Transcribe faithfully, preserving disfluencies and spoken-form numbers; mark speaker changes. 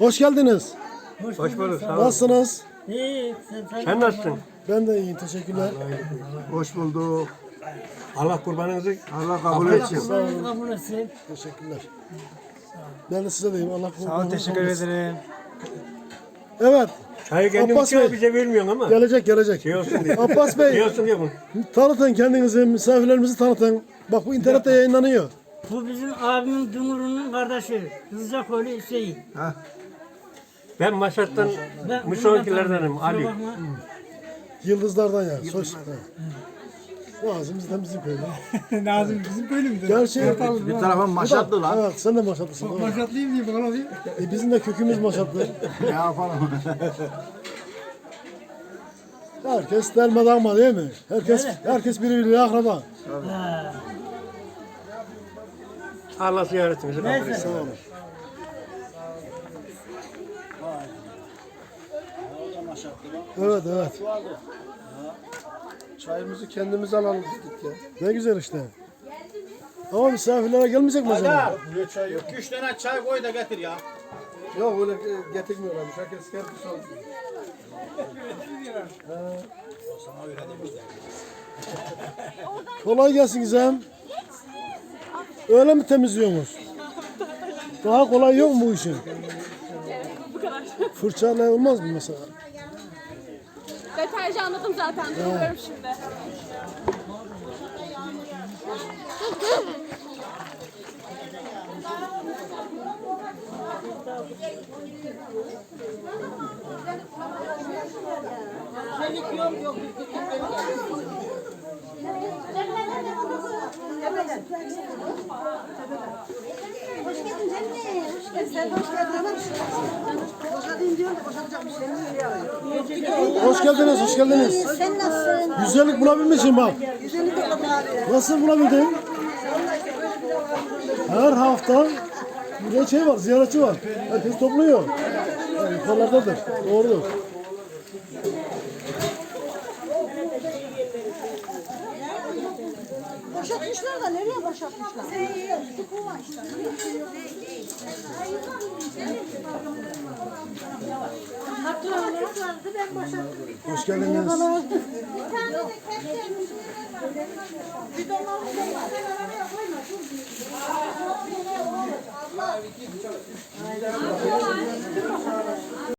Speaker 1: Hoş geldiniz.
Speaker 2: Hoş, Hoş bulduk. Sağ olun.
Speaker 1: Nasılsınız?
Speaker 3: İyi. Sen,
Speaker 2: Sen nasılsın?
Speaker 1: Ben de iyiyim. Teşekkürler.
Speaker 4: Hoş bulduk.
Speaker 2: Allah kurbanınızı
Speaker 4: Allah kabul
Speaker 2: Kabul
Speaker 4: etsin.
Speaker 1: Sağ olun.
Speaker 3: kabul etsin.
Speaker 1: Teşekkürler. Ben de size deyim. Allah
Speaker 5: Sağ ol, teşekkür ederim.
Speaker 1: Evet.
Speaker 2: çayı kendin
Speaker 1: Abbas
Speaker 2: içiyor
Speaker 1: Bey.
Speaker 2: bize vermiyorsun ama.
Speaker 1: Gelecek gelecek.
Speaker 2: Şey olsun diye.
Speaker 1: Abbas
Speaker 2: Şey
Speaker 1: Bey,
Speaker 2: olsun diye bunu.
Speaker 1: tanıtın kendinizi, misafirlerimizi tanıtın. Bak bu internette yayınlanıyor.
Speaker 3: Bu bizim abimin Dumur'un kardeşi. Kızacakoğlu Hüseyin.
Speaker 2: Ben Maşat'tan
Speaker 3: Ben-
Speaker 2: Müşoğlu'kilerdenim
Speaker 3: Kusura
Speaker 2: Ali.
Speaker 3: bakma.
Speaker 1: Yıldızlardan ya. Soy Nazım bizden bizim köyde.
Speaker 5: Nazım bizim köylümüzdür.
Speaker 1: Gerçi
Speaker 4: Bir tarafım maşatlı lan.
Speaker 1: evet sen de maşatlısın. doğru.
Speaker 5: Maşatlıyım diye bana diye.
Speaker 1: E, bizim de kökümüz maşatlı.
Speaker 4: Ne yapalım?
Speaker 1: Herkes dermeden ama değil mi? Herkes herkes birbiriyle akraba.
Speaker 3: Ha.
Speaker 2: Allah ziyaretimizi kabul
Speaker 3: Neyse.
Speaker 2: etsin.
Speaker 1: Sağ olun. Evet evet.
Speaker 4: Çayımızı kendimiz alalım dedik ya.
Speaker 1: Ne güzel işte. Ama misafirlere gelmeyecek mi acaba?
Speaker 6: Yok, üç tane çay koy da getir ya.
Speaker 4: Yok öyle e, getirmiyorlarmış. Herkes kendisi alıyor.
Speaker 1: Kolay gelsin Gizem. Öyle mi temizliyorsunuz? Daha kolay yok mu bu işin?
Speaker 7: Bu kadar.
Speaker 1: Fırçayla olmaz mı mesela?
Speaker 7: Deterjanladım zaten. Duruyorum şimdi.
Speaker 8: Hoş geldin canım. Hoş geldin. Sen hoş geldin hanım. Boşadayım diyorum da boşanacak bir şey yok.
Speaker 1: Hoş geldiniz, hoş geldiniz.
Speaker 8: Sen nasılsın?
Speaker 1: Güzellik bulabilmişsin bak.
Speaker 8: Güzellik yok abi.
Speaker 1: Nasıl bulabildin? Her hafta burada şey var, ziyaretçi var. Herkes topluyor. Yani yukarılardadır. Doğrudur.
Speaker 8: Boşatmışlar da nereye boşatmışlar? Tıkuma işte. Hatta vardı ben boşattım.
Speaker 1: Hoş geldiniz.
Speaker 8: Bir tane de kendi bidonlarımız da var.